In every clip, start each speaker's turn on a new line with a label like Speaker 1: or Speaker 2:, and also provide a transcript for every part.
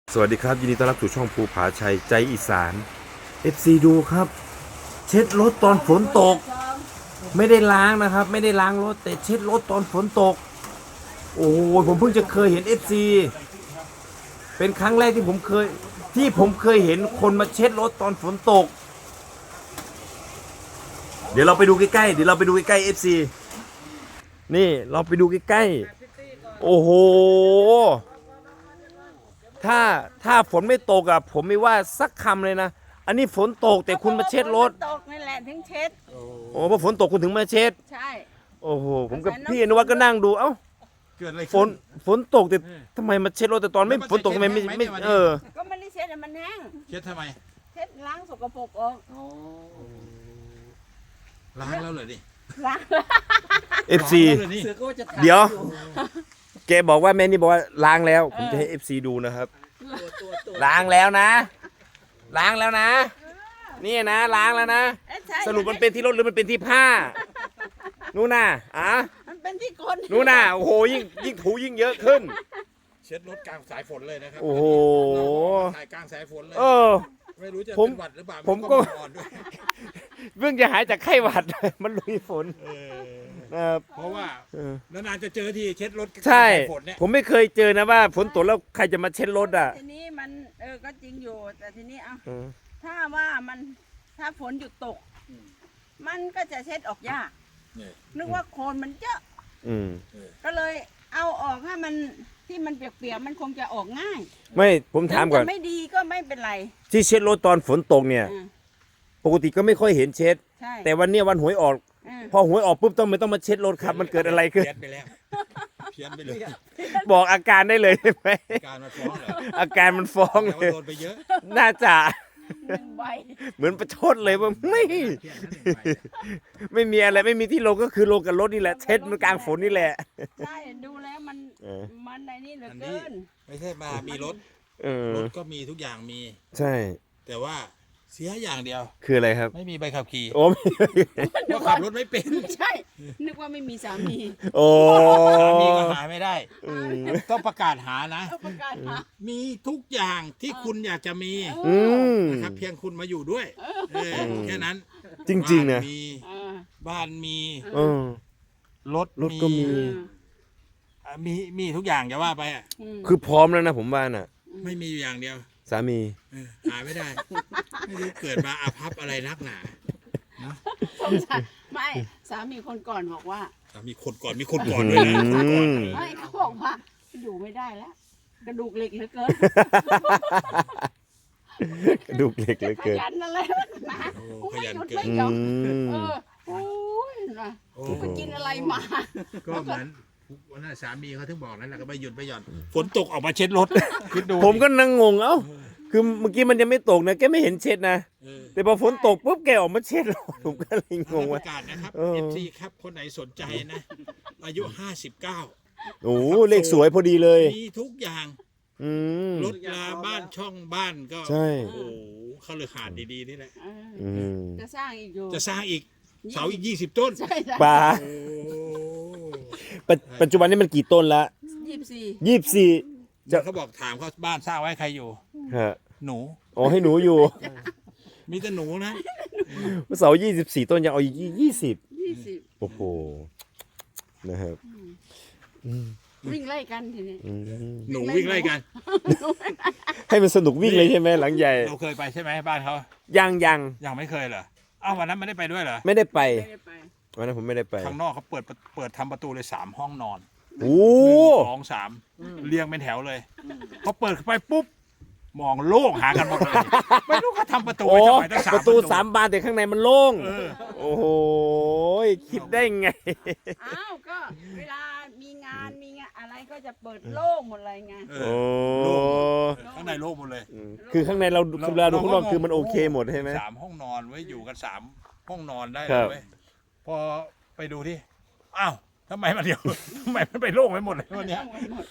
Speaker 1: สวัสดีครับยินดีต้อนรับสู่ช่องภูผาชัยใจอีสาน FC ดูครับ เช็ดรถตอนฝนตก ไม่ได้ล้างนะครับ ไม่ได้ล้างรถแต่เช็ดรถตอนฝนตก โอ้โหผมเพิ่งจะเคยเห็น FC เป็นครั้งแรกที่ผมเคยเห็นคนมาเช็ดรถตอนฝนตก เดี๋ยวเราไปดูใกล้ๆ FC นี่เราไปดูใกล้ๆโอ้โหถ้าฝนไม่ตกอะผมไม่ว่าสักคำเลยนะอันนี้ฝนตกแต่คุณมาเช็ดรถ
Speaker 2: ตกนี่แหละถึงเช็ด
Speaker 1: โอ้เพราะฝนตกคุณถึงมาเช็ด
Speaker 2: ใช่
Speaker 1: โอ้โหผมกับพี่อนุวัฒน์ก็นั่งดูเอ้า
Speaker 3: เกิดอะไร
Speaker 1: ฝน
Speaker 3: ขึ้น
Speaker 1: ฝนตกแต่ทำไมมาเช็ดรถแต่ตอนไม่ฝนตกทำไมไม่
Speaker 2: ก็ไม่ได้เช็ดมันแห้ง
Speaker 3: เช็ดทำไม
Speaker 2: เช็ดล้างสกปรกออก
Speaker 3: ล้างแล้วเหรอดิ
Speaker 2: ล้าง
Speaker 1: FC
Speaker 3: นี่
Speaker 1: เดี๋ยวแกบอกว่าแม่นี่บอกว่าล้างแล้วผมจะให้ FC ดูนะครับล้างแล้วนะนี่นะล้างแล้วนะสรุปมันเป็นที่รถหรือมันเป็นที่ผ้านู่นน่ะ
Speaker 2: มันเป็นที่คน
Speaker 1: นู่นน่ะโอ้โหยิ่งถูยิ่งเยอะขึ้น
Speaker 3: เช็ดรถกลางสายฝนเลยนะครับ
Speaker 1: โอ้โห
Speaker 3: ถ่ายกลางสายฝนเลยไม่รู้จะ
Speaker 1: ผม
Speaker 3: เป็นหวัดหรือเปล่า
Speaker 1: ผมก็
Speaker 3: อ่อนด้วย
Speaker 1: เพิ่งจะหายจากไข้หวัด มันลุยฝนนะครับ
Speaker 3: เพราะว่านานๆจะเจอที่เช็ดรถกลาง
Speaker 1: ใช่
Speaker 3: สายฝนเนี่ย
Speaker 1: ผมไม่เคยเจอนะว่าฝนตกแล้วใครจะมาเช็ดรถอ่ะ
Speaker 2: ทีนี้มันก็จริงอยู่แต่ทีนี้ถ้าว่ามันถ้าฝนหยุดตกมันก็จะเช็ดออกยากนึกว่าโคลนมันเยอะก็เลยเอาออกให้มันที่มันเปียกๆมันคงจะออกง่าย
Speaker 1: ไม่ผมถามก่อน
Speaker 2: ไม่ดีก็ไม่เป็นไร
Speaker 1: ที่เช็ดรถตอนฝนตกเนี่ยปกติก็ไม่ค่อยเห็นเช็ด
Speaker 2: ใช่
Speaker 1: แต่วันเนี้ยวันหวยออกพอหวยออกปุ๊บไม่ต้องมาเช็ดรถครับมันเกิดอะไรขึ้น
Speaker 3: เพี้ยนไปแล้วเพี้ยนไปเลย
Speaker 1: บอกอาการได้เลยใช่ไหม
Speaker 3: การมาฟ้องเหรอ
Speaker 1: อาการมันฟ้อง
Speaker 3: แต่
Speaker 1: เล
Speaker 3: ว่าย โดนไปเยอะ
Speaker 1: น่าจะ
Speaker 2: ใบ
Speaker 1: เหมือนประชดเลยว่าไม่มีอะไรไม่มีที่ลงก็คือลงกับรถนี่แหละเช็ดมันกลางฝนนี่แหละ
Speaker 2: ใช่ดูแล้วมันในนี่เหลือเกิน
Speaker 3: ไม่ใช่มามีรถรถก็มีทุกอย่างมี
Speaker 1: ใช่
Speaker 3: แต่ว่าเสียอย่างเดียว
Speaker 1: คืออะไรครับ
Speaker 3: ไม่มีใบขับขี่
Speaker 1: โอ้
Speaker 3: เพราะขับรถไม่เป็น
Speaker 2: ใช่ นึกว่าไม่มีสามี
Speaker 1: โอ้
Speaker 3: สามีก็หาไม่ได้ ต้องประกาศหานะ
Speaker 2: ต้องประกาศหา
Speaker 3: มีทุกอย่างที่คุณอยากจะมี นะครับเพียงคุณมาอยู่ด้วยแค่นั้น
Speaker 1: จริงๆนะ
Speaker 3: บ้านมี รถ
Speaker 1: ก็มี
Speaker 3: มีทุกอย่างจะว่าไปอ่ะ
Speaker 1: คือพร้อมแล้วนะผมว่าน่ะ
Speaker 3: ไม่มีอยู่อย่างเดียว
Speaker 1: สามี
Speaker 3: หาไม่ได้ ไม่รู้เกิดมาอาภัพอะไรนักหนา
Speaker 2: ไม่สามีคนก่อนบอกว่า
Speaker 3: มีคนก่อนด้วยนะคนก่อนเลย
Speaker 2: ไม่เขาบอกว่าอยู่ไม่ได้แล้ว กระดูกเหล็กเหลือเกิน
Speaker 1: กระดูกเหล็กเหลย
Speaker 2: ข
Speaker 1: เกิน
Speaker 2: ยันอะไรนะ
Speaker 3: ขยันเกิน
Speaker 2: ไม่หยุดไม่หย่อนโอ้ยนะไปกินอะไรมา
Speaker 3: ก็เหมือนวันนั้นสามีเขาถึงบอกนั่นแหละก็ไม่หยุดไม่หย่อนฝนตกออกมาเช็ดรถคิดดู
Speaker 1: ผมก็นั่งงงเอ้าคือเมื่อกี้มันยังไม่ตกนะแกไม่เห็นเช็ดนะแต่พอฝนตกปุ๊บแกออกมาเช็ดรถผมก็เลยงง
Speaker 3: ป
Speaker 1: ว่า
Speaker 3: ระกาศนะครับ FC ครับคนไหนสนใจนะ อายุ 59
Speaker 1: โอ้เลขสวยพอดีเลย
Speaker 3: มีทุกอย่าง รถลาบ้านช่องบ้านก็
Speaker 1: ใช่
Speaker 3: โอ้โหเขาเลยขาดดีๆนี่แหละ
Speaker 2: จะสร้างอีกอยู่
Speaker 3: จะสร้างอีกเสาอีก20 ต้น
Speaker 2: ใช่ใช่
Speaker 1: ปลา
Speaker 3: โอ้
Speaker 1: ปัจจุบันนี้มันกี่ต้นละ 24
Speaker 3: จะเขาบอกถามเขาบ้านสร้างไว้ใครอยู่
Speaker 1: ฮะ
Speaker 3: หนู
Speaker 1: อ๋อให้หนูอยู่
Speaker 3: มีแต่หนูนะ
Speaker 1: เสา24 ต้นยังเอาอีก20โอ้โหนะครับ
Speaker 2: วิ่งไล่กันทีนี้
Speaker 3: หนูวิ่งไล่กัน
Speaker 1: ให้มันสนุกวิ่งเลยใช่ไหมหลังใหญ่
Speaker 3: เราเคยไปใช่ไหมบ้านเขา
Speaker 1: ยัง
Speaker 3: ยังไม่เคยเหรออ้าววันนั้นไม่ได้ไปด้วยเหรอ
Speaker 1: ไม่ได้ไป
Speaker 2: ไม่ได้ไป
Speaker 1: วันนั้นผมไม่ได้ไป
Speaker 3: ข้างนอกเขาเปิดทำประตูเลย3 ห้องนอน
Speaker 1: โอ้
Speaker 3: 1 2 3เรียงเป็นแถวเลยพอเปิดเข้าไปปุ๊บมองโล่งหากันหมดเลยไม่รู้เขาทำประตู
Speaker 1: โอ้
Speaker 3: ไว้ทำไมตั้ง3
Speaker 1: ประตู3 บานแต่ข้างในมันโล่งโอ้โหคิดได้ไง
Speaker 2: อ้าวก็เวลามีงานอะไรก็จะเปิดโล่งหมดเลยไง
Speaker 3: เอ
Speaker 1: โอ้
Speaker 3: อข้างในโล่งหมดเลย
Speaker 1: คือข้างในเราเวลาดูข้างนอกคือมันโอเคหมดใช่ไหม
Speaker 3: 3 ห้องนอนไว้อยู่กัน3 ห้องนอนได้
Speaker 1: ค
Speaker 3: เล
Speaker 1: รั
Speaker 3: ย
Speaker 1: บ
Speaker 3: เว้ยพอไปดูที่อ้าวทำไมมันเดียว ทำไมมันไปโล่งไปหมดเลยวันเนี้ย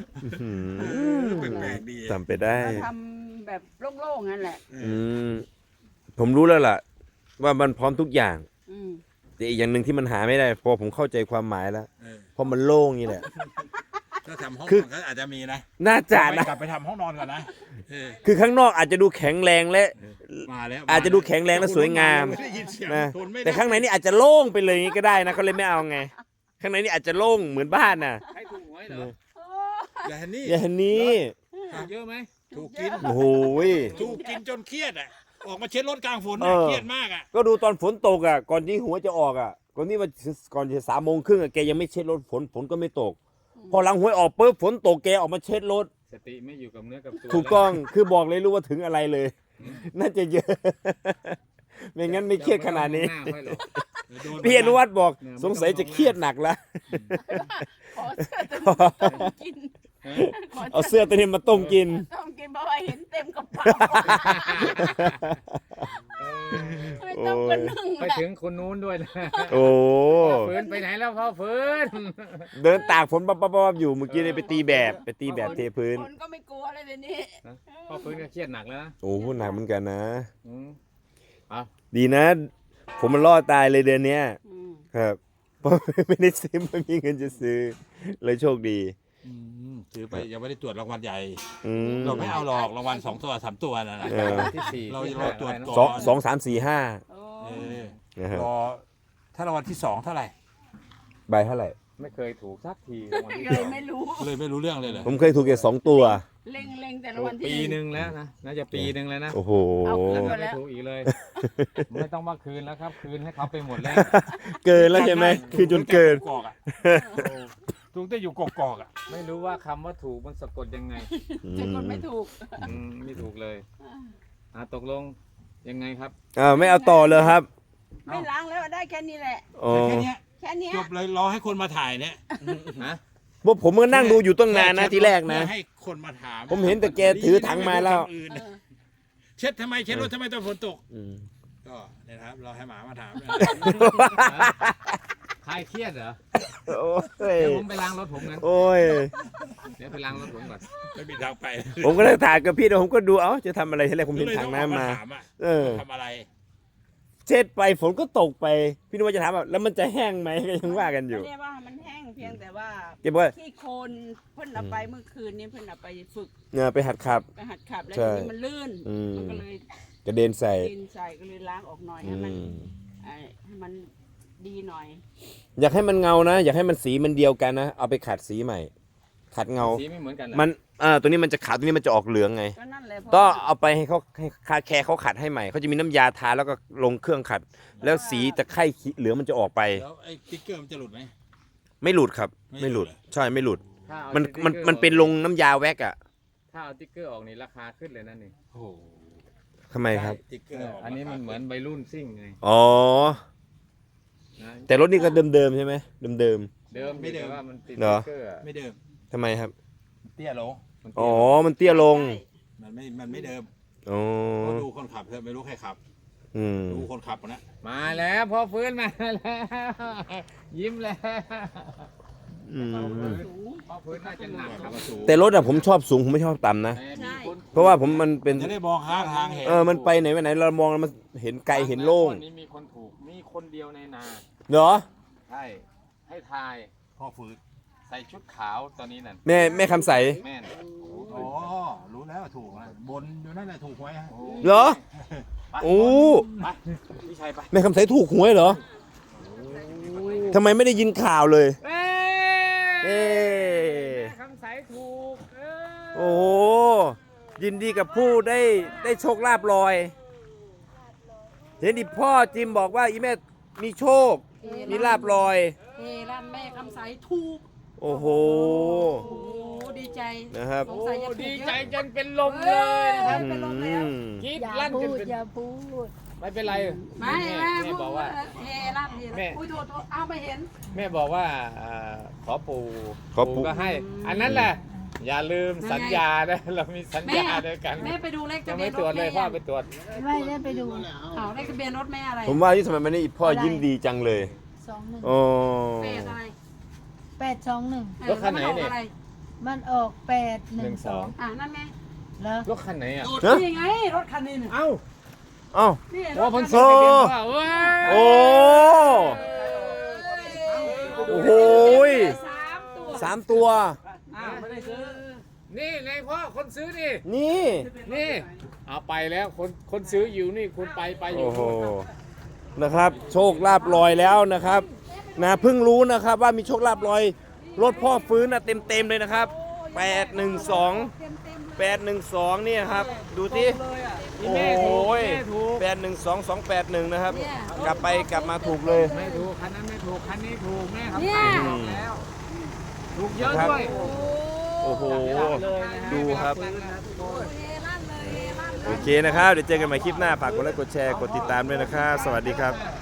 Speaker 3: แปลกๆดี
Speaker 1: จำไปได้
Speaker 2: เราทำแบบโล่งๆนั่นแหละ
Speaker 1: ผมรู้แล้วล่ะ ว่ามันพร้อมทุกอย่าง
Speaker 2: อืม
Speaker 1: แต่อีกอย่างหนึ่งที่มันหาไม่ได้พอผมเข้าใจความหมายแล้วเพราะมันโล่งนี่แหละ
Speaker 3: ถ้าทำห้อง
Speaker 1: คื
Speaker 3: น
Speaker 1: อ
Speaker 3: อนก็อาจจะมีนะ
Speaker 1: น่าจะนะ
Speaker 3: กลับไปทำห้องนอนก่อนนะเออ
Speaker 1: คือข้างนอกอาจจะดูแข็งแรงและ
Speaker 3: มาแล้ว
Speaker 1: อาจจะดูแข็งแรงและสวยงาม
Speaker 3: ไได้ยินเสียง
Speaker 1: นะ
Speaker 3: ทนไม่ได้
Speaker 1: แต่ข้างในนี่อาจจะโล่งไปเลยอย่างนี้ก็ได้นะเขาเลยไม่เอาไง ข้างในนี่อาจจะโล่งเหมือนบ้านน่ะ
Speaker 4: ใครถูกหวยเหรอ
Speaker 3: แต่อันนี้
Speaker 1: อย่างนี้
Speaker 4: ถูกเยอะไหม
Speaker 3: ถูกกิน
Speaker 1: โอ้โหย
Speaker 3: ถูกกินจนเครียดอ่ะออกมาเช็ดรถกลางฝน
Speaker 1: เอ
Speaker 3: น่ะ
Speaker 1: อ
Speaker 3: เครียดมากอ่ะ
Speaker 1: ก็ดูตอนฝนตกอ่ะก่อนที่หัวจะออกอ่ะก่อนที่ว่าก่อนจะ3:30อ่ะแกยังไม่เช็ดรถฝนก็ไม่ตก พอหลังหวยออกปุ๊บฝนตกแกออกมาเช็ดรถ
Speaker 4: สติไม่อยู่กับเนื้อกับตัว
Speaker 1: ถูกต้องคือบอกเลยรู้ว่าถึงอะไรเลย น่าจะเยอะ ไม่งั้นไม่เครียดขนาดนี้
Speaker 4: หน้าค่อยหรอก
Speaker 3: โดน
Speaker 1: พี่อนุวัฒน์บอกสงสัยจะเครียดหนักแล้ว
Speaker 2: ขอเสื้อตัวนี้ต้มกิน
Speaker 1: เอาเสื้อตัวนี้มาต้มกิน
Speaker 2: ต้มกินเพราะว่าเห็นเต็มกระเป๋าไม่ต้องกระนึ่ง
Speaker 4: ไปถึงคนนู้นด้วยนะ
Speaker 1: โอ้
Speaker 4: ฝืนไปไหนแล้วพ่อฝืน
Speaker 1: เดินตากฝนปั๊บๆอยู่เมื่อกี้เลยไปตีแบบเทพื้น
Speaker 2: คนก็ไม่กลัวเลยเดี๋ยวนี้
Speaker 4: พ่อฝืนก็เครียดหนักแล้วนะ
Speaker 1: โอ้พูดหนักเหมือนกันนะ
Speaker 4: อืมเอา
Speaker 1: ดีนะ ผมมันรอดตายเลยเดือนเนี้ย
Speaker 2: อืม
Speaker 1: ครับเพราะไม่ได้ซื้อไม่มีเงินจะซื้อ เลยโชคดี
Speaker 3: ถือไปยังไม่ได้ตรวจรางวัลใหญ่
Speaker 1: อืม
Speaker 3: เราไม่เอาหรอกรางวัล2 ตัว 3 ตัวนั่นนะ
Speaker 1: เออ
Speaker 4: ที่สี่
Speaker 3: เรา
Speaker 4: ที่
Speaker 3: เราตรวจ
Speaker 4: อะไรนะ
Speaker 3: ก่
Speaker 1: สองสามสี่ห้า
Speaker 2: โอ้
Speaker 3: เออ
Speaker 1: นะครับ
Speaker 3: รอถ้ารางวัลที่ 2 เท่าไหร่
Speaker 1: ใบเท่าไหร่
Speaker 4: ไม่เคยถูกสักทีรางวัลที่
Speaker 2: เลย
Speaker 4: สอง
Speaker 2: ไม่รู้
Speaker 3: เลยไม่รู้เรื่องเลยเหรอ
Speaker 1: ผมเคยถูกแค่2 ตัว
Speaker 2: เล็งแต่ละ
Speaker 4: ถู
Speaker 2: วั
Speaker 4: ก
Speaker 2: นที่
Speaker 4: ปีหนึ่งแล้วนะน่าจะปีหนึ่งแล้วนะ
Speaker 1: โอ้โห
Speaker 2: เอาคืน
Speaker 4: แล้วไม่ถูกอีกเลย ไม่ต้องมาคืนแล้วครับ คืนให้เขาไปหมดแล้ว
Speaker 1: เกินแล้วใช่ไหมคือจนเกิน
Speaker 3: กอกอ่ะถูกแต่อยู่กอกอ่ะ
Speaker 4: ไม่รู้ว่าคำว่าถูกมันสะกดยังไง
Speaker 2: จะกดไม่ถูก
Speaker 4: ไม่ถูกเลยตกลงยังไงครับ
Speaker 1: ไม่เอาต่อเลยครับ
Speaker 2: ไม่ล้างแล้วได้แค่นี้แหละ
Speaker 1: อ๋อ
Speaker 3: แค่เนี้ย
Speaker 2: แค่เนี้ย
Speaker 3: จบเลยรอให้คนมาถ่ายเนี่ย
Speaker 4: ฮะ
Speaker 1: พวกผมก็นั่งดูอยู่ตั้งนานนะทีแรกนะ
Speaker 3: เพื่อให้คนมาถาม
Speaker 1: ผมเห็นแต่แกถือถังมาแล้ว
Speaker 3: คำอื่นเช็ดทำไมเช็ดรถทำไมตอนฝนตก
Speaker 1: อืม
Speaker 3: ก็เนี่ยนะครับรอให้หมามาถามเนี่ย
Speaker 4: ใครเครียดเหรอ
Speaker 1: โอ้ย
Speaker 4: เดี๋ยวผมไปล้างรถผมงั้น
Speaker 1: โอ้ย
Speaker 4: เดี๋ยวไปล้างรถผมก่อน
Speaker 3: ไม่มีทางไป
Speaker 1: ผมก็เลยถ่ายกับพี่เดี๋ยวผมก็ดูเอ้าจะทำอะไรทีแรกผมเห็นถังน้ำมา
Speaker 3: ถามอ่ะ
Speaker 1: เออ
Speaker 3: ทำอะไร
Speaker 1: เช็ดไปฝนก็ตกไป พี่นึกว่าจะถามแบบแล้วมันจะแห้งไหมก็ยังว่ากันอยู่
Speaker 2: ไม่ได้ว่ามันแห้งเพียงแต่ว่า
Speaker 1: แกบอกว่า
Speaker 2: ที่โคนเพิ่นเอาไปเมื่อคืนนี้เพิ่นเอาไปฝึก
Speaker 1: เนี่ยไปหัดขับ
Speaker 2: ไปหัดขับแล้ว
Speaker 1: ใช่
Speaker 2: ทีนี้มันลื่น
Speaker 1: อืม
Speaker 2: มันก็เลย
Speaker 1: กระเด็นใส่
Speaker 2: ดินใส่ก็เลยล้างออกหน่อยให้มันให้มันดีหน่อย
Speaker 1: อยากให้มันเงานะ อยากให้มันสีมันเดียวกันนะ เอาไปขัดสีใหม่ ขัดเงา
Speaker 4: สีไม่เหมือนกันเหรอ
Speaker 1: มันตัวนี้มันจะขาวตัวนี้มันจะออกเหลืองไง
Speaker 2: ก็นั่นแหละพ
Speaker 1: ก็เอาไปให้เขาให้คาแคร์เขาขัดให้ใหม่เขาจะมีน้ำยาทาแล้วก็ลงเครื่องขัด แล้วสีตะไคร่เหลืองมันจะออกไป
Speaker 3: แล้วไอ้ติ๊กเกอร์มันจะหลุดไหม
Speaker 1: ไม่หลุดครับ
Speaker 3: ไม่
Speaker 1: ไม่
Speaker 3: ห
Speaker 1: ห
Speaker 3: ลุ
Speaker 1: ลุ
Speaker 3: ด
Speaker 1: ดใช่ไม่หลุด
Speaker 4: ถ้าเอา
Speaker 1: มัน
Speaker 4: ติ๊กกอร์
Speaker 1: มันเป็นลงน้ำยาแว็กอะ
Speaker 4: ถ้าเอาติ๊กเกอร์ออกนี่ราคาขึ้นเลยนั่นนี่
Speaker 3: โอ้โห
Speaker 1: ทำไมครับ
Speaker 3: ติ๊กเกอร์ก
Speaker 4: อันนี้มันเหมือนใบรุ่นซิ่งไง
Speaker 1: อ๋อ
Speaker 4: นะ
Speaker 1: แต่รถนี่ก็เดิมๆใช่ไหมเดิม
Speaker 4: เดิมแต่ว่ามันติด
Speaker 1: เหรอ
Speaker 4: ติ๊กเกอร์อะ
Speaker 3: ไม่เดิม
Speaker 1: ๆทำไมครับ
Speaker 3: เตี้ยลง
Speaker 4: มัน
Speaker 1: อ๋อมันเตี้ยลง
Speaker 3: มันไม่เดิม
Speaker 1: อ๋อ
Speaker 3: ก็ดูคนขับเถอะไม่รู้ใครขับ
Speaker 1: อืม
Speaker 3: ดูคนขับนะ
Speaker 4: มาแล้วพ่อฟื้นมาแล้ว ยิ้มแล้ว
Speaker 1: อืม
Speaker 4: พ่อฟื้นน่าจะหนักครับ
Speaker 1: แต่รถอะผมชอบสูงผมไม่ชอบต่ำนะ
Speaker 4: แต่มีคน
Speaker 1: เพราะว่าผมมันเป็น
Speaker 3: จะได้มองข้างทางเห็น
Speaker 1: มันไปไหนไปไหนเรามองแล้วมันเห็นไกลเห็นโล่ง
Speaker 4: วันนี้มีคนถูกมีคนเดียวในนา
Speaker 1: เหรอ
Speaker 4: ใช่ให้ทาย
Speaker 3: พ่อฟื้น
Speaker 4: ใส่ชุดขาวตอนนี้นั่น
Speaker 1: แม่คำใส
Speaker 4: แม่น
Speaker 3: อ๋อรู้แล้วถูกนะบนอยู่นั่นแหละถูกไว้ฮะ
Speaker 1: เหรอ โอ้
Speaker 4: ไปพี่ชัยไป
Speaker 1: แม่คำใสถูกหวยเหรอทำไมไม่ได้ยินข่าวเลย เอ๊ะ
Speaker 4: คำใสถูก
Speaker 1: โอ้โหยินดีกับผู้ได้โชคลาภลอย เห็นดิพ่อจิมบอกว่าอีแม่มีโชค มีลาภลอย
Speaker 2: เฮร้านแม่คำใสถูก
Speaker 1: โอ้โห
Speaker 2: โอ้ดีใจ
Speaker 1: นะครับ
Speaker 2: สงสัยจะถูก
Speaker 4: ดี
Speaker 2: เย
Speaker 4: ใจ
Speaker 2: อะ
Speaker 4: จนเป็นลมเลยนะครับ
Speaker 2: เป็นลมแล้ว
Speaker 4: กรีด
Speaker 5: อย่า
Speaker 4: ลั่นจ
Speaker 5: พู
Speaker 4: น
Speaker 5: ด
Speaker 4: เป็น
Speaker 5: อย่าพูด
Speaker 4: ไม่เป็นไร
Speaker 2: ไม่
Speaker 4: แม่
Speaker 2: แม่
Speaker 4: บอกว่า
Speaker 2: เฮร้านเฮ
Speaker 4: แม่
Speaker 2: อุ้ยโทษเอาไม่เห็น
Speaker 4: แม่บอกว่าขอปู่
Speaker 1: ขอปู่
Speaker 4: ก็ให้ อันนั้นแหละ อย่าลืมสัญญานะเรามีสัญญาด้วยกัน
Speaker 2: แม่ไปดูเลข
Speaker 4: ยั
Speaker 2: ทะ
Speaker 4: ง
Speaker 2: เบีย
Speaker 4: ไม่
Speaker 2: น
Speaker 4: ตรวจ
Speaker 2: รถ
Speaker 4: เล
Speaker 2: แม่
Speaker 4: ยพ่อไปตรวจ
Speaker 5: ไม่ได้ไปดู
Speaker 2: เอาเลขทะเบียนรถแม่อะไร
Speaker 1: ผมว่าที่ทำไมมันนี่พ่อยิ้มดีจังเลย
Speaker 5: 21
Speaker 1: โอ้
Speaker 2: แปดอะไร
Speaker 5: 821
Speaker 4: รถคันไหนเนี่ย
Speaker 5: มันออก812
Speaker 2: นั่นไง
Speaker 5: แล้ว
Speaker 4: รถคันไหนอ่ะ
Speaker 1: ฮะ
Speaker 2: นี่ไงรถคันนี้เนี่ย
Speaker 4: เอ้า
Speaker 1: เอ้า
Speaker 2: นี่ร
Speaker 4: ว่า
Speaker 2: ถ
Speaker 4: เพ้น
Speaker 2: คัน
Speaker 4: ส่ง
Speaker 2: นี้
Speaker 4: ทะเบียนพ่อเว้ย
Speaker 1: โอ้ โอ้โหย
Speaker 2: 3 ตัว
Speaker 1: 3 ตัว
Speaker 2: อ้าว
Speaker 4: นี่ไงพ่อคนซื้อนี่
Speaker 1: นี่
Speaker 4: นี่เอาไปแล้วคนซื้ออยู่นี่คุณไปอยู่
Speaker 1: โอ้โหนะครับ โชคลาภลอยแล้วนะครับนะเพิ่งรู้นะครับว่ามีโชคลาภลอยรถพ่อฟื้นนะเต็มเลยนะครับ812เนี่ยครับดูที่ โอ้โห812281นะครับ กลับมาถูกเลย
Speaker 4: ไม่ถูกคันนั้นไม่ถูกคันนี้ถูกแม่ครับ
Speaker 5: เนี่ย
Speaker 4: บอกแล้วถูกเยอะด้วย
Speaker 1: โอ้โหดูครับโอเคนะครับเดี๋ยวเจอกันใหม่คลิปหน้าฝากกดไลค์กดแชร์กดติดตามด้วยนะครับสวัสดีครับ